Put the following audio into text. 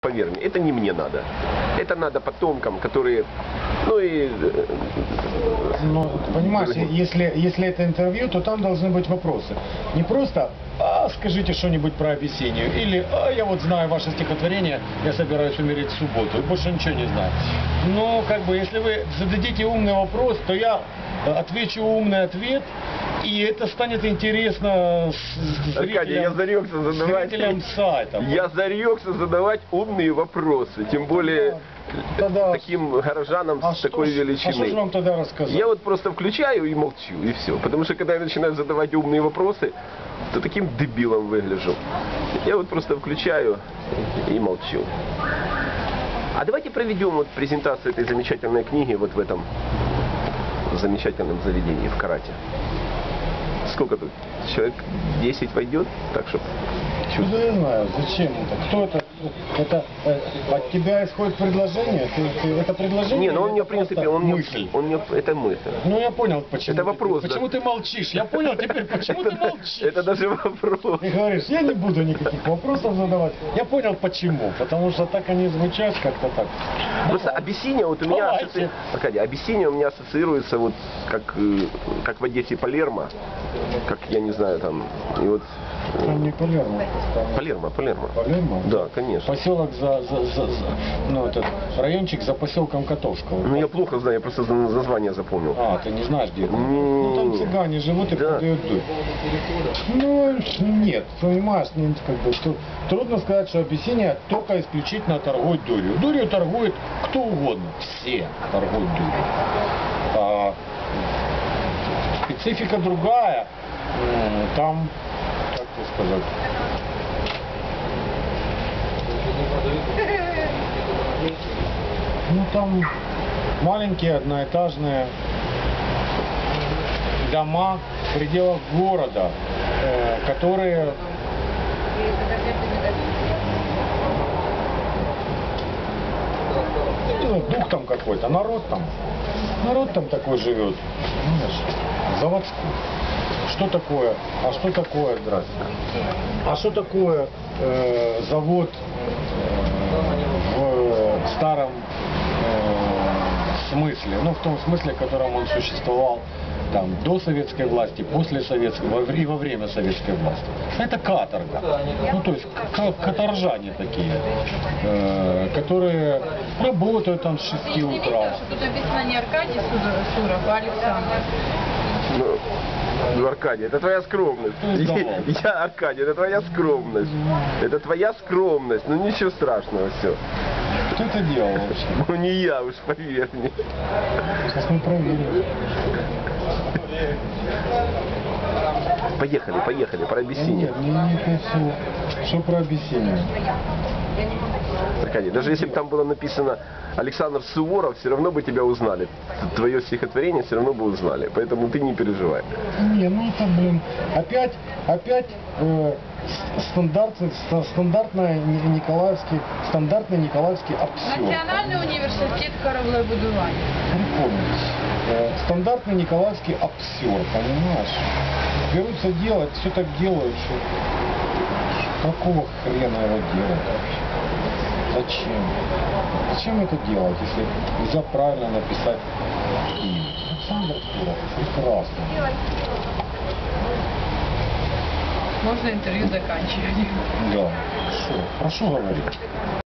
поверь мне, это не мне надо. Это надо потомкам, которые, ну и... Ну, понимаешь, если это интервью, то там должны быть вопросы. Не просто скажите что-нибудь про Абиссинию, или я вот знаю ваше стихотворение, я собираюсь умереть в субботу, и больше ничего не знаю. Но как бы, если вы зададите умный вопрос, то я отвечу умный ответ, и это станет интересно Аркадий, я зарекся задавать, зрителям сайта. Я зарекся задавать умные вопросы, тем более тогда, таким горожанам с такой величины. А что же вам тогда рассказать? Я вот просто включаю и молчу, и все. Потому что когда я начинаю задавать умные вопросы, то таким дебилом выгляжу. Я вот просто включаю и молчу. А давайте проведем вот презентацию этой замечательной книги вот в этом замечательном заведении, в Карате. Сколько тут? Человек 10 войдет, так что... Ну, я знаю, зачем это? Кто это? Это от тебя исходит предложение? Это предложение? Не, ну он мне, в принципе, мысль. Это мысль. Ну я понял, почему. Это вопрос. Почему ты молчишь? Я понял теперь, почему ты молчишь. Это даже вопрос. Ты говоришь, я не буду никаких вопросов задавать. Я понял почему. Потому что так они звучат как-то так. Просто Абиссиния вот у меня... Аркадий, Абиссиния у меня ассоциируется вот как в Одессе Палермо. Как, я не знаю, там... И вот... Там не Палермо. Палермо. Палермо? Да, конечно. Поселок ну, этот райончик за поселком Котовского. Ну я плохо знаю, я просто название запомнил. А, ты не знаешь, где это? Ну там цыгане живут и продают дурь. Ну, нет, понимаешь, как бы, трудно сказать, что Абиссиния только исключительно торгует дурью. Дурью торгует кто угодно, все торгуют дурью. А специфика другая, там, как тебе сказать... Ну там маленькие одноэтажные дома в пределах города, которые ну, дух там какой-то, народ там такой живет, понимаешь, заводской. Что такое? А что такое, здрасте? А что такое завод в старом смысле? Ну, в том смысле, в котором он существовал там до советской власти, после советской и во время советской власти. Это каторга. Ну, то есть каторжане такие, которые работают там с 6 утра. Тут написано не Аркадий Суров, а Александр. Ну, Аркадий, это твоя скромность. Я, Аркадий, это твоя скромность. Это твоя скромность. Ну ничего страшного, все. Кто это делал вообще? Ну не я, уж поверь мне. Сейчас мы проверим. Поехали, про Абиссинию. Нет, что про Абиссинию? Аркадий, даже если бы там было написано Александр Суворов, все равно бы тебя узнали. Твое стихотворение все равно бы узнали. Поэтому ты не переживай. Не, ну это, блин, опять стандартный Николаевский апсиом. Національний університет кораблебудування. Припомнить. Стандартный Николаевский апсиом, понимаешь? Берутся делать, все так делают, что какого хрена его делать вообще? Зачем? Зачем это делать, если нельзя правильно написать имя? Александр Суров, прекрасно. Можно интервью заканчивать. Да, хорошо говорить.